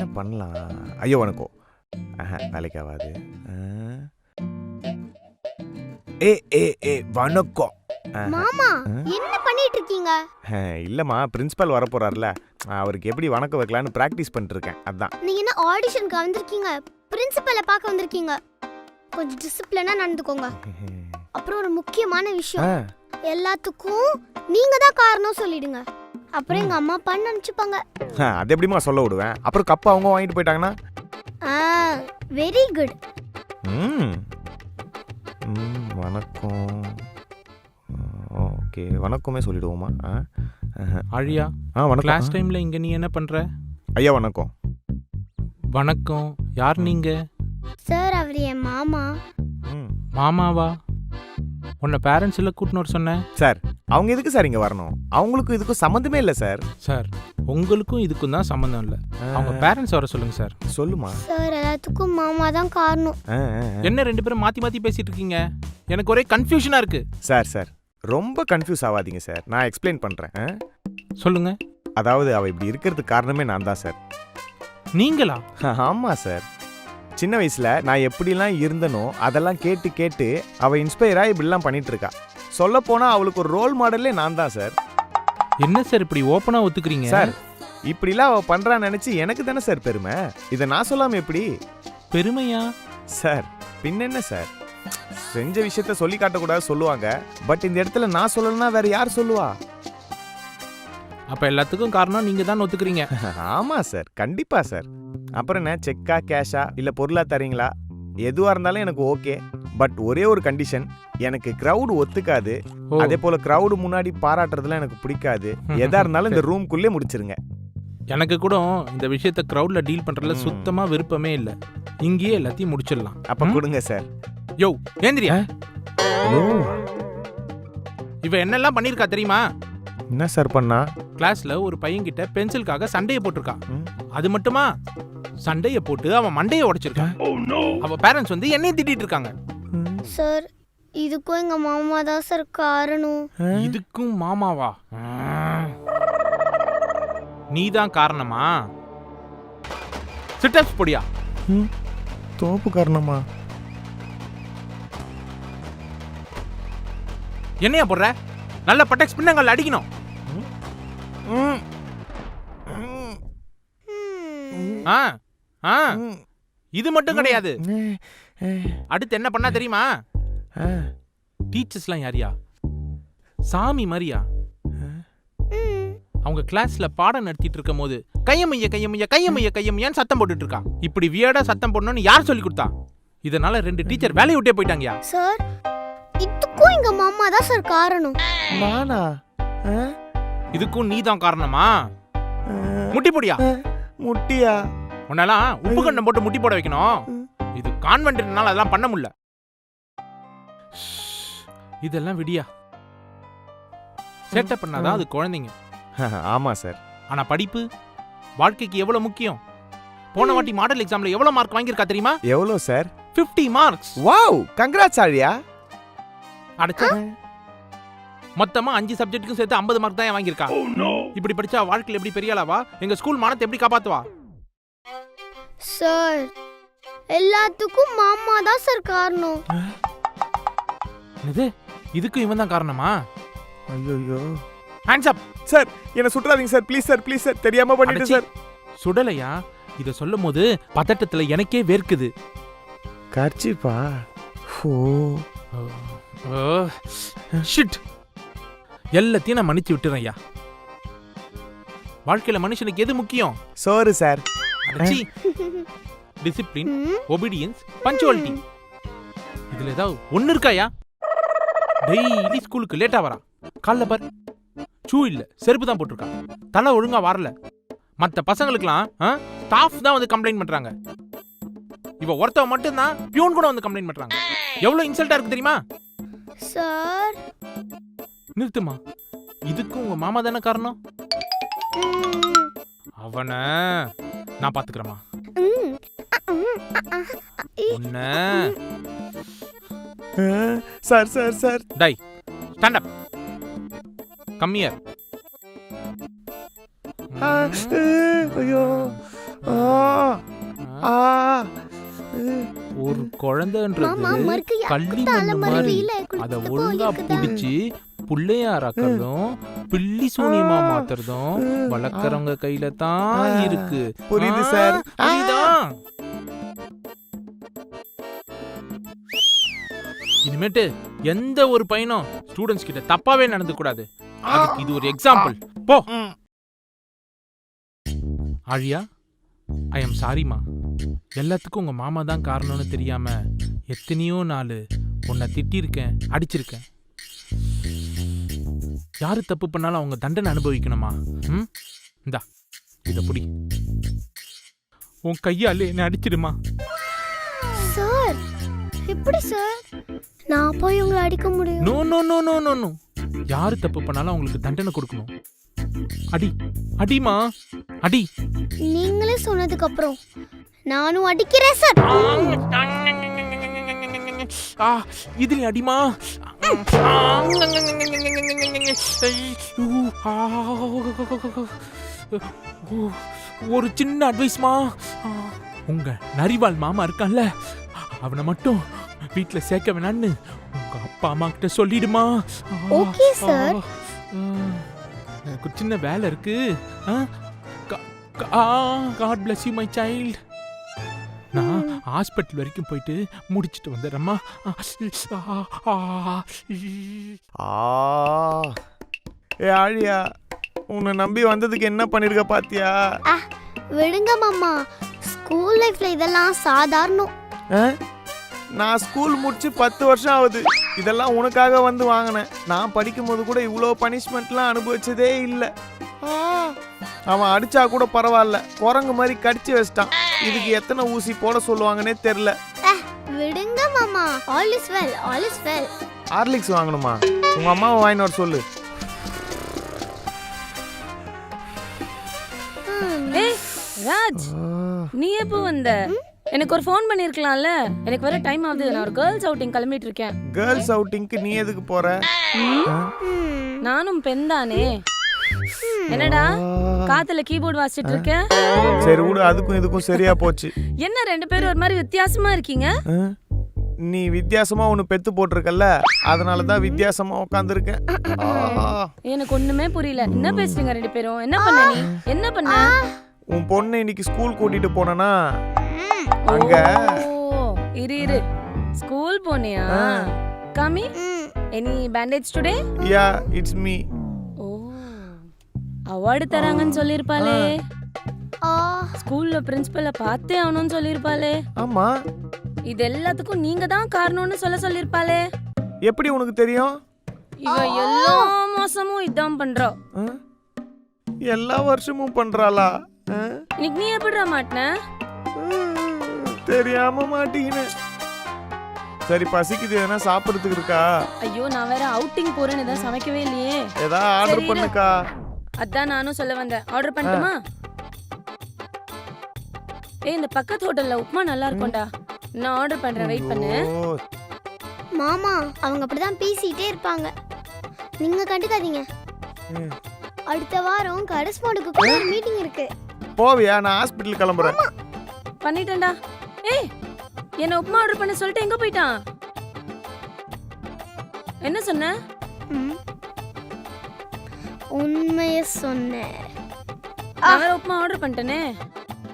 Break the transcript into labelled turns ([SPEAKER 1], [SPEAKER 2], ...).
[SPEAKER 1] என்ன பண்ணலாம்? ஐயோ வணக்கம். வேலைக்கு ஆகாது. வணக்கம்.
[SPEAKER 2] மாமா என்ன பண்ணிட்டு இருக்கீங்க?
[SPEAKER 1] இல்லம்மா, பிரின்சிபல் வர போறாருல, அவருக்கு எப்படி வணக்கம் வைக்கலாம்னு பிராக்டிஸ் பண்ணிட்டு இருக்கேன். அதான்.
[SPEAKER 2] நீங்க என்ன ஆடிஷனுக்கு வந்திருக்கீங்க? பிரின்சிபலை பார்க்க வந்திருக்கீங்க. கொஞ்சம் டிசிப்ளினா நடந்துக்கோங்க. அப்புறம் ஒரு முக்கியமான விஷயம், எல்லாத்துக்கும் நீங்க தான் காரணம் சொல்லிடுங்க. அப்புறம் எங்க அம்மா அப்பா நினைச்சுப்பாங்க.
[SPEAKER 1] அது எப்படிமா சொல்ல விடுவேன்? அப்புறம் கப் அவங்க வாங்கிட்டு போயிட்டாங்கன்னா?
[SPEAKER 2] Very good.
[SPEAKER 1] வணக்கம். ஓகே, வணக்கமே சொல்லிடுவோமா?
[SPEAKER 3] ஆழியா,
[SPEAKER 1] வணக்கம்.
[SPEAKER 3] கிளாஸ் டைம்ல இங்க நீ என்ன பண்ற?
[SPEAKER 1] ஐயா வணக்கம்.
[SPEAKER 3] வணக்கம். யார் நீங்க?
[SPEAKER 2] சார், அவர் என் மாமா.
[SPEAKER 3] மாமாவா? உன்னை பேரண்ட்ஸ் எல்லாம் கூட்டினு வர சொன்னேன்.
[SPEAKER 1] சார், அவங்க எதுக்கு சார் இங்க வரணும்? அவங்களுக்கும் இதுக்கும் சம்மந்தமே இல்லை சார்.
[SPEAKER 3] சார், உங்களுக்கும் இதுக்கும் தான் சம்மந்தம் இல்லை. அவங்க பேரண்ட்ஸ் வர சொல்லுங்க சார்.
[SPEAKER 1] சொல்லுமா?
[SPEAKER 2] சார், எல்லாத்துக்கும் மாமா தான் காரணம்.
[SPEAKER 3] என்ன ரெண்டு பேரும் மாத்தி மாத்தி பேசிட்டு இருக்கீங்க? எனக்கு ஒரே கன்ஃபியூஷனா இருக்கு.
[SPEAKER 1] சார் ரொம்ப கன்ஃபியூஸ் ஆகாதீங்க சார், நான் எக்ஸ்பிளைன் பண்றேன்.
[SPEAKER 3] சொல்லுங்க.
[SPEAKER 1] அதாவது அவ இப்படி இருக்கிறதுக்கு காரணமே நான் தான் சார்.
[SPEAKER 3] நீங்களா?
[SPEAKER 1] ஆமா சார். சின்ன வயசுல நான் எப்படிலாம் இருந்தனோ அதெல்லாம் கேட்டு கேட்டு அவ இன்ஸ்பயரா இப்படிலாம் பண்ணிட்டு இருக்கா. சொல்ல போனா அவளுக்கு ஒரு ரோல் மாடலே நான் தான் சார்.
[SPEAKER 3] என்ன சார் இப்படி ஓப்பனா ஒத்துக்கிறீங்க?
[SPEAKER 1] சார், இப்படிலாம் அவ பண்றான்னு நினைச்சு எனக்கு தானே சார் பெருமை. இதை நான் சொல்லாம எப்படி?
[SPEAKER 3] பெருமையா?
[SPEAKER 1] சார், பின்னென்ன சார், செஞ்ச விஷயத்த சொல்லி காட்டக்கூடாது சொல்லுவாங்க. பட் இந்த இடத்துல நான் சொல்லலன்னா வேற யார் சொல்லுவா?
[SPEAKER 3] அப்ப எல்லாத்துக்கும் காரணம் நீங்க தான் ஒத்துக்கிறீங்க.
[SPEAKER 1] ஆமா சார், கண்டிப்பா சார். அப்புறம் என்ன, செக்கா கேஷா இல்ல பொருளா தரீங்களா? எதுவா இருந்தாலும் எனக்கு ஓகே. பட் ஒரே ஒரு கண்டிஷன், எனக்கு கிரவுட் ஒத்துக்காது. அதே போல கிரவுட் முன்னாடி பாராட்டுறதுலாம் எனக்கு பிடிக்காது. எதா இருந்தாலும் இந்த ரூம்குள்ளே முடிச்சிருங்க.
[SPEAKER 3] எனக்கு கூட இந்த விஷயத்த கிரவுட்ல டீல் பண்றதுல சுத்தமா விருப்பமே இல்ல. இங்கேயே எல்லாத்தையும் முடிச்சிடலாம்.
[SPEAKER 1] அப்ப கொடுங்க சார்.
[SPEAKER 3] யோ ஏந்திரியா. இவ என்னெல்லாம் பண்ணிருக்கா தெரியுமா?
[SPEAKER 1] என்ன சார் பண்ணா?
[SPEAKER 3] கிளாஸ்ல ஒரு பையன்கிட்ட பென்சிலுக்காக சண்டைய போட்டிருக்கா. அது மட்டுமா, சண்டைய போட்டு அவன் மண்டைய உடைச்சிருக்கான். அவ பேரண்ட்ஸ் வந்து என்னைய திட்டிட்டு இருக்காங்க.
[SPEAKER 2] சார், இதுக்கும் எங்க மாமா தான் சார் காரணம்.
[SPEAKER 3] இதுக்கும் மாமாவா? நீதான் காரணமா? சிட்டப்ஸ் போடியா.
[SPEAKER 1] தோப்பு காரணமா?
[SPEAKER 3] என்னையா போடுற? நல்ல பட்டெக்ஸ் பின்னங்கள் அடிக்கணும். இது மட்டும் கிடையாது. அடுத்து என்ன பண்ணா தெரியுமா? டீச்சர்ஸ்லாம் யாரியா? சாமி மாதிரியா? அவங்க கிளாஸ்ல பாடம் நடத்திட்டு இருக்கும் போது கையமைய கையமைய கையமைய கையமையான்னு சத்தம் போட்டுட்டு இருக்கா. இப்படி வியர்டா சத்தம் போடணும்னு யார் சொல்லி கொடுத்தா? இதனால 2 டீச்சர் வேலையை விட்டே போயிட்டாங்கயா.
[SPEAKER 2] சார், இதுக்கும் எங்க மாமா தான் சார் காரணம்.
[SPEAKER 1] நானா?
[SPEAKER 3] இதுக்கும் நீதான் காரணமா? முட்டி போடியா.
[SPEAKER 1] முட்டியா?
[SPEAKER 3] உன்னெல்லாம் உப்பு கண்டம் போட்டு முட்டி போட வைக்கணும். இது கான்வென்ட்னால அதெல்லாம் பண்ண முடியல. இதெல்லாம் விடியா. சேட்டை பண்ணாதான் அது குழந்தைங்க.
[SPEAKER 1] ஆமா சார்.
[SPEAKER 3] ஆனா படிப்பு வாழ்க்கைக்கு எவ்வளவு முக்கியம். போன வாட்டி மாடல் எக்ஸாம்ல எவ்வளவு மார்க் வாங்கியிருக்கா தெரியுமா?
[SPEAKER 1] எவ்வளவு சார்?
[SPEAKER 3] 50 மார்க்ஸ்.
[SPEAKER 1] வாவ், கங்க்ராட்ஸ் ஆழியா.
[SPEAKER 3] அடச்சே, மொத்தமா 5 சப்ஜெக்ட்டுக்கும் சேர்த்து 50 மார்க் தான் வாங்கியிருக்கா. இப்படி படிச்சா வாழ்க்கையில எப்படி பெரிய ஆளாவா? எங்க ஸ்கூல் மானத்தை எப்படி காப்பாத்துவா?
[SPEAKER 2] சார், எல்லாத்துக்கும் மாமா தான் சார் காரணம்.
[SPEAKER 3] இது இதுக்கும் இவன் தான் காரணமா?
[SPEAKER 1] ஐயோ,
[SPEAKER 3] ஹேண்ட்ஸ் அப்.
[SPEAKER 1] சார், என்ன சுற்றாதீங்க sir, please sir, please sir, தெரியாம பண்ணிட்டேன் சார்.
[SPEAKER 3] சுடலையா? இத சொல்லும் போது பதட்டத்துல எனக்கே வேர்க்குது.
[SPEAKER 1] கர்ச்சிப்பா.
[SPEAKER 3] ஷிட். எல்லாத்தையும் நான் மன்னிச்சு விட்டுறேன் ஐயா. வாழ்க்கையில மனுஷனுக்கு எது முக்கியம்?
[SPEAKER 1] சோறு சார்.
[SPEAKER 3] Discipline, obedience, punctuality. இதுல ஏதாவது ஒண்ணு இருக்காயா? டெய்லி ஸ்கூலுக்கு லேட்டா வரா. காலைல பார், ஷூ இல்ல, செருப்பு தான் போட்டிருக்கா. தலை ஒழுங்கா வரல. மத்த பசங்களுக்குலாம் ஸ்டாஃப் தான் வந்து கம்ப்ளைண்ட் பண்றாங்க. இவ ஒருத்தவ மட்டும் தான் பியூன் கூட வந்து கம்ப்ளைண்ட் பண்றாங்க. எவ்வளவு இன்சல்ட்டா இருக்கு தெரியுமா?
[SPEAKER 2] சார்,
[SPEAKER 3] நிறுத்துமா. இதுக்கும் உங்க மாமா தானே காரணம். அவன நான் பாத்துக்கிறேமா.
[SPEAKER 1] Sir sir sir.
[SPEAKER 3] டை, ஸ்டாண்ட் அப். Come here.
[SPEAKER 1] ஐயோ ஆ.
[SPEAKER 3] ஒரு
[SPEAKER 2] மாமா
[SPEAKER 3] குழந்தைன்றது
[SPEAKER 2] மறுக்கு
[SPEAKER 3] கள்ளி
[SPEAKER 2] தலை
[SPEAKER 3] மண்ணு மாதிரி
[SPEAKER 2] மறுவையில
[SPEAKER 3] அத
[SPEAKER 2] குளிச்சுட்டு
[SPEAKER 3] ஒழுங்கா
[SPEAKER 2] போலிருக்குதா?
[SPEAKER 3] புடிச்சு புள்ளையாராக்கிறதும் பில்லி சூனியமா மாத்துறதும் வளர்க்கறவங்க கையில தான் இருக்கு.
[SPEAKER 1] புரியுது சார்.
[SPEAKER 3] புரியுதா? இனிமேட்டு எந்த ஒரு பையனும் ஸ்டூடெண்ட்ஸ் கிட்ட தப்பாவே நடந்து கூடாது. அதுக்கு இது ஒரு எக்ஸாம்பிள். போ. ஆழியா, ஐ எம் சாரிமா. எல்லாத்துக்கும் உங்க மாமா தான் காரணம்னு தெரியாம எத்தனையோ நாள் உன்னை திட்டிருக்கேன், அடிச்சிருக்கேன். யாரு தப்பு பண்ணாலும் அவங்க தண்டனை அனுபவிக்கணுமா? ம், இந்தா இத புடி. உன் கையாலே என்ன அடிச்சிடுமா.
[SPEAKER 2] சார் எப்படி சார் நான் போய் உங்களை அடிக்க முடியும்?
[SPEAKER 3] No no no no no no. யாரு தப்பு பண்ணாலும் அவங்களுக்கு தண்டனை கொடுக்கணும். அடி அடிமா, அடி.
[SPEAKER 2] நீங்களே சொன்னதுக்கு அப்புறம் நானும் அடிக்கிறேன் சார்.
[SPEAKER 3] இதுல அடிமா. ஒரு சின்ன அட்வைஸ்மா. உங்க நரிவாள் மாமா இருக்கான்ல, அவனை மட்டும் வீட்ல சேர்க்க வேணான்னு உங்க அப்பா அம்மா கிட்ட சொல்லிடுமா.
[SPEAKER 2] Okay sir.
[SPEAKER 3] எனக்கு ஒரு சின்ன வேலை இருக்கு. God bless you my child. நான் ஹாஸ்பிட்டல் வரைக்கும் போயிட்டு முடிச்சிட்டு வந்துடுறேம்மா.
[SPEAKER 1] ஏ ஆழியா, உன்னை நம்பி வந்ததுக்கு என்ன பண்ணிருக்க பாத்தியா?
[SPEAKER 2] விடுங்க மாமா, ஸ்கூல் லைஃப்ல இதெல்லாம் சாதாரணம்.
[SPEAKER 1] நான் ஸ்கூல் முடிச்சு 10 வருஷம் ஆகுது. இதெல்லாம் உனக்காக வந்து வாங்கினேன். நான் படிக்கும் போது கூட இவ்வளோ பனிஷ்மெண்ட்லாம் அனுபவிச்சதே இல்லை. அவன் அடிச்சா கூட பரவாயில்ல, குரங்கு மாதிரி கடிச்சு வச்சிட்டான். இதுக்கு எத்தனை ஊசி போட சொல்லுவாங்கன்னே தெரியல.
[SPEAKER 2] விடுங்க மாமா, all is well, all is well.
[SPEAKER 1] Horlicks வாங்கணுமா? உங்க அம்மாவை வாங்கிட்டு வர சொல்லு.
[SPEAKER 4] ஏய் ராஜ், நீ எப்போ வந்த? எனக்கு ஒரு ஃபோன் பண்ணிருக்கலாம்ல. எனக்கு வர டைம் ஆகுது. நான் ஒரு கேர்ள்ஸ் அவுட்டிங் கிளம்பிட்டு இருக்கேன்.
[SPEAKER 1] கேர்ள்ஸ் அவுட்டிங்க்கு நீ எதுக்கு போற?
[SPEAKER 4] நானும் பெண் தானே. என்னடா காத்துல கீபோர்டு வாசிச்சிட்டு இருக்க?
[SPEAKER 1] சரி விடு, அதுக்கும் இதுக்கும் சரியா போச்சு.
[SPEAKER 4] என்ன ரெண்டு பேரும் ஒரு மாதிரி வித்தியாசமா இருக்கீங்க?
[SPEAKER 1] நீ வித்தியாசமா ஒன்னு பெத்து போட்டிருக்கல்ல, அதனாலதான் வித்தியாசமா உட்காந்துருக்கேன்.
[SPEAKER 4] எனக்கு ஒண்ணுமே புரியல. என்ன பேசுறீங்க ரெண்டு பேரும்? என்ன பண்ண நீ? என்ன பண்ண?
[SPEAKER 1] உன் பொண்ணை இன்னைக்கு ஸ்கூல் கூட்டிட்டு போனா அங்க
[SPEAKER 4] இரு ஸ்கூல் போனியா? காமி, any bandage today?
[SPEAKER 1] Yeah, it's me.
[SPEAKER 4] ஓ, அவார்டு தராங்கன்னு சொல்லிருப்பாளே. ஸ்கூல்ல பிரின்சிபலை பார்த்தே ஆகணும்னு சொல்லிருப்பாளே.
[SPEAKER 1] ஆமா,
[SPEAKER 4] இது எல்லாத்துக்கும் நீங்க தான் காரணம்னு சொல்லிருப்பாளே.
[SPEAKER 1] எப்படி உனக்கு தெரியும்?
[SPEAKER 4] இவ எல்லா மாசமும் இதான் பண்றா.
[SPEAKER 1] எல்லா வருஷமும் பண்றாளா?
[SPEAKER 4] இன்னைக்கு நீ எப்படிடா மாட்டின?
[SPEAKER 1] தெரியாம மாட்டீங்கன்னு. சரி, பசிக்குது, எதனா சாப்பிடுறதுக்கு இருக்கா?
[SPEAKER 4] ஐயோ, நான் வேற அவுட்டிங் போறேன்னு தான் சமைக்கவே இல்லையே.
[SPEAKER 1] ஏதா ஆர்டர் பண்ணுக்கா.
[SPEAKER 4] அதான் நானும் சொல்ல வந்தேன். ஆர்டர் பண்ணட்டுமா? ஏய், இந்த பக்கத்து ஹோட்டல்ல உப்புமா நல்லா இருக்கும்டா. நான் ஆர்டர் பண்றேன், வெயிட் பண்ணு.
[SPEAKER 2] மாமா, அவங்க அப்படிதான் பேசிட்டே இருப்பாங்க, நீங்க கண்டுக்காதீங்க. அடுத்த வாரம் கரஸ்பாண்டுக்கு கூட ஒரு மீட்டிங் இருக்கு.
[SPEAKER 1] போவியா? நான் ஹாஸ்பிடல் கிளம்புறேன்.
[SPEAKER 4] பண்ணிட்டேன்டா. ஏய், என்ன உப்புமா ஆர்டர் பண்ண சொல்லிட்டு எங்க போயிட்டான்? என்ன சொன்ன?
[SPEAKER 2] உண்மைய சொன்னேன்.
[SPEAKER 4] நான் வேற உப்புமா ஆர்டர் பண்ணிட்டேனே.